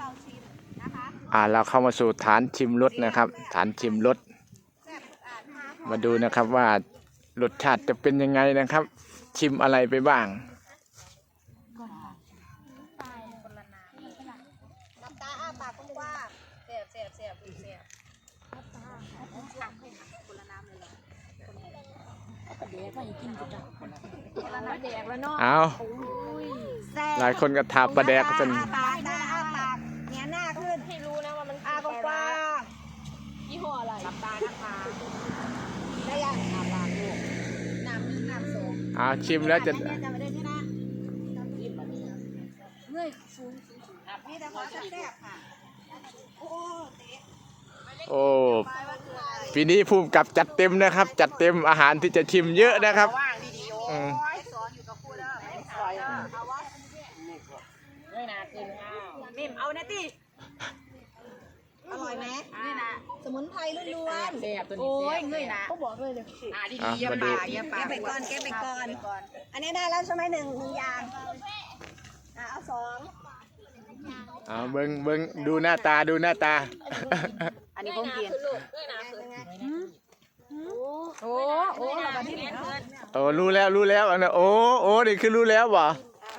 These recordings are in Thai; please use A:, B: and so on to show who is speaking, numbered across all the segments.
A: เราชิมนะคะ
B: เราเข้ามาสู่ฐานชิมรสนะครับ ฐานชิมรสมาดูนะครับว่ารสชาติจะเป็นยังไงนะครับ ชิมอะไรไปบ้าง
A: น้ำตาอ้าปากกว้างๆเสียบคนละน้ำเลยเหรอ
B: เอาหลายคนก็ทาปลาแดกจน
A: อ้าปากเงี้ยหน้าขึ้นให้รู้นะว่ามันอ้ากว้างยี่ห้ออะไรน้ำตาได้ยังอ้าปากลูกน้ำสอง
B: ชิมแล้วจะ
A: เมื่อยฟูนี่แต่ว่าแซ่บค่ะโอ้
B: ปีนี้ภูมิกับจัดเต็มนะครับ จัดเต็มอาหารที่จะชิมเยอะนะครับ
A: สอนอยู่กับครูเด้อไม่สอนเอาวะเงยหน้าขึ้นนิ่มเอานะติอร่อยไหมนี่นะสมุนไพรล้วนๆโอ้ยเงยหน้าเขาบอกเลยดีๆอย่าปากแกไปก่อนอันนี้ได้แล้วใช่ไหมหนึ่งอย่างเอาสอง
B: เบิ้งดูหน้าตา
A: อันนี้ผมกินโอ้เรามาที่ไหน
B: รู้แล้วอันนั้นโอ้นี่คือรู้แล้วบ่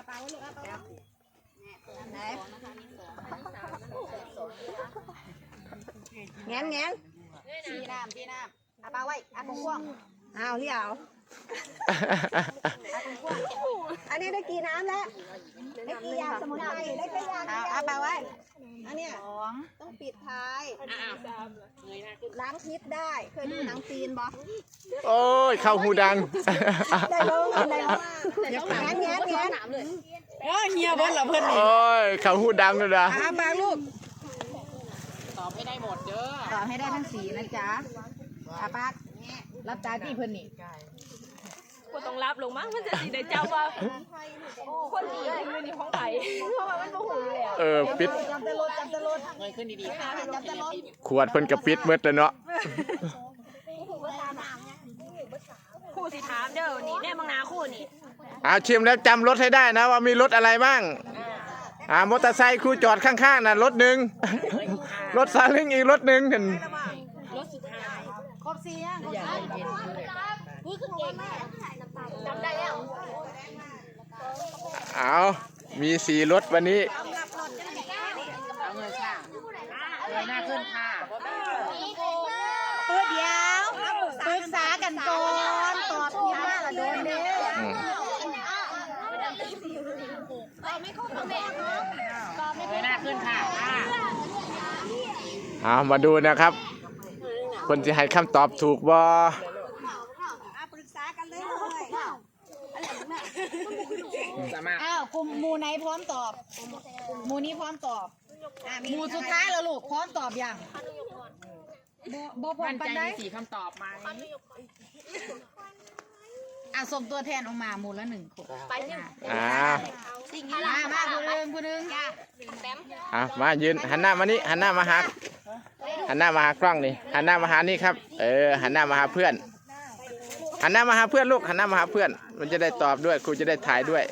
A: แง้นชี้น้ำเอาปลาไว้เอากุ้งพ่วงเอาที่เอาอันนี้ได้กี่น้ำแล้วได้กี่ยาสมุนไพรได้กี่ยาเอาปลาไว้อันนี้ต้องปิดท้ายล้างพิษได้เคยดูหนังจีนบ่
B: โอ้ยเข้าหูดัง
A: ได้ลงแง้น
C: เฮียบอลเหรอเพื่อนนี่
B: โอ้ยเข้าหูดังเลยนะ
A: ปลาลูก
C: ตอบให้ได้หมดเด้อ
A: ตอบให้ได้ทั้ง4นะจ๊ะปลารับตาที่เพื่อนนี่
D: กูต้องรับลงมั้งมันจะสีได้เจ้าว่าคนนี้ยืนอยู่ห้องไผ่เพราะว่ามันโมโหอยู่แล้ว
B: ปิด
A: จับตะลด
C: เงยขึ้นดีๆค่ะ
A: จับตะลด
B: ขวดเพิ่นกระปิดเมื่อเลยเนาะ
D: คู่สิถามเด้อนี่แน่บางนาคู่นี่
B: ชิมแล้วจำรถให้ได้นะว่ามีรถอะไรบ้างมอเตอร์ไซค์ครูจอดข้างๆน่ะรถหนึ่งรถซาเล้งอีกรถหนึ่งเห็น
D: รถสุดท้าย
A: ครบ4ยัง
D: จำได้แล้ว
B: มี4รถวันนี้
C: เอาเงยค่ะเงยหน้าขึ้นค่ะ
A: เดี๋ยวปรึกษากันก่อนตอบทีหน้าละโดนเด้
C: เงยหน้าขึ้นค่ะ
B: มาดูนะครับคนจะให้คำตอบถูกบ่
A: ปรึกษากันเลยกลุ่มหมู่ไหนพร้อมตอบหมู่นี้พร้อมตอบหมู่สุดท้ายแล้วลูกพร้อมตอบยังบ่พร้อมปันได้
C: 4 คำตอบไหม
A: ส่งตัวแทนออกมาหมู่ละ1 คน
D: ไปเนี่ย
A: มาผู้หนึ่ง
B: มายืนหันหน้ามานี่หันหน้ามาหากล้องนี่หันหน้ามาหานี่ครับหันหน้ามาหาเพื่อนหันหน้ามาหาเพื่อนลูกหันหน้ามาหาเพื่อนมันจะได้ตอบด้วยครูจะได้ถ่ายด้วย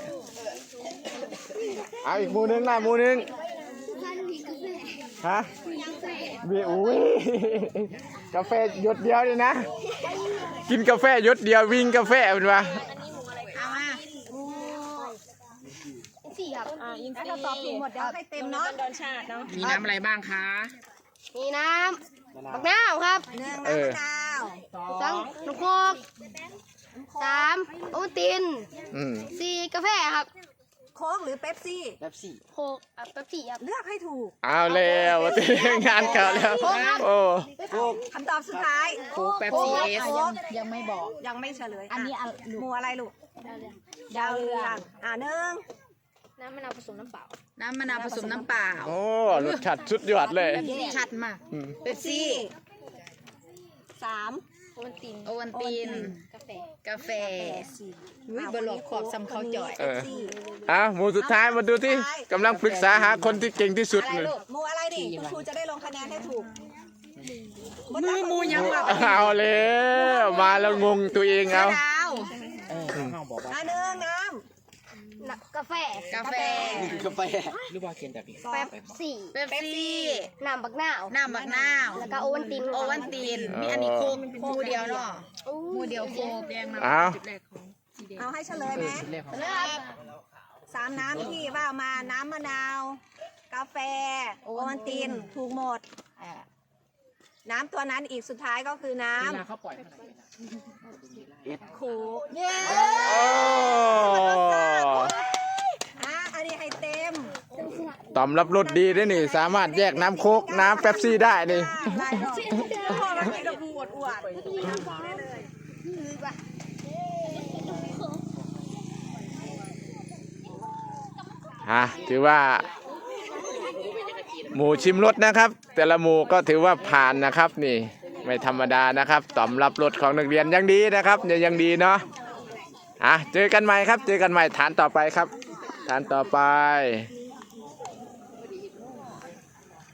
B: อีกหมู่นึงหมู่นึงฮะกาแฟหยดเดียวเลยนะกินกาแฟหยดเดียววิ่งกาแฟเป็นวะ
A: แล้วเราตอบถูกหมดเดี๋ยวให้เต็มเนาะ
D: โดนชาติเนาะ
C: มีน้ำอะไรบ้างคะ
D: มีน้ำบักนาวครับ
A: 1น้ำมะนาว
D: 2ลูกโคก3โอวัลติน4กาแฟครับ
A: โค้กหรือเป๊ปซี่
D: โคกเป๊ปซี่ครับ
A: เลือกให้ถูก
B: เอาแล้วงานเก่าแล้ว
A: คำตอบสุดท้าย
C: โค้กเป๊ปซี่
A: ยังไม่บอกยังไม่เฉลยอันนี้หมู่อะไรลูกดาวเรือง
D: น้ำมะนาวผสมน้ำเปล่า
B: รสชาติสุดยอดเลย
A: ชัดมากเป๊ปซี่3
D: โอวัล
A: ติน
D: กาแฟ
A: บลอกขอบซ้ำเขาจ่อย
B: หมู่สุดท้ายมาดูที่กำลังปรึกษาหาคนที่เก่งที่สุดเลย
A: หมู่อะไรดิคุณครูจะได้ลงคะแนนให้ถูก
C: หมู่ยังแบบ
B: เอาแล้วมาแล้วงงตัวเองเอา
A: 1น้ำ
E: กาแฟ
A: กาแฟ
B: หรือว่าเขียนแบบนี้
E: แป๊บสี่
A: เป๊ปซี่
E: น้ำบักนาว
A: น้ำบักนาว
E: แล้วก็โอวัลติน
A: โอวันตีนมีอันนี้โคกหมูเดียวเนาะหมูเดียวโคก
B: เอา
A: เอาให้เฉลยไหมสามน้ำที่ว่ามาน้ำมะนาว กาแฟ โอวันตินถูกหมดน้ำตัวนั้นอีกสุดท้ายก็คือน้ำ
C: เขาปล่อย
A: โคกเย้
B: โอ้
A: อันนี้ให้เต็ม
B: ตอมรับรสดีด้วยนี่ สามารถแยกน้ำโค้กน้ำเป๊ปซี่ได้นี่
A: ได้หรอกพ่อมันมีกระพูอวดได้เลย
B: ถือว่า หมูชิมรสนะครับ แต่ละหมูก็ถือว่าผ่านนะครับนี่ ไม่ธรรมดานะครับตอมรับรสของนักเรียนยังดีนะครับยังดีเนาะเจอกันใหม่ครับ เจอกันใหม่ฐานต่อไปครับฐานต่อไป
A: มี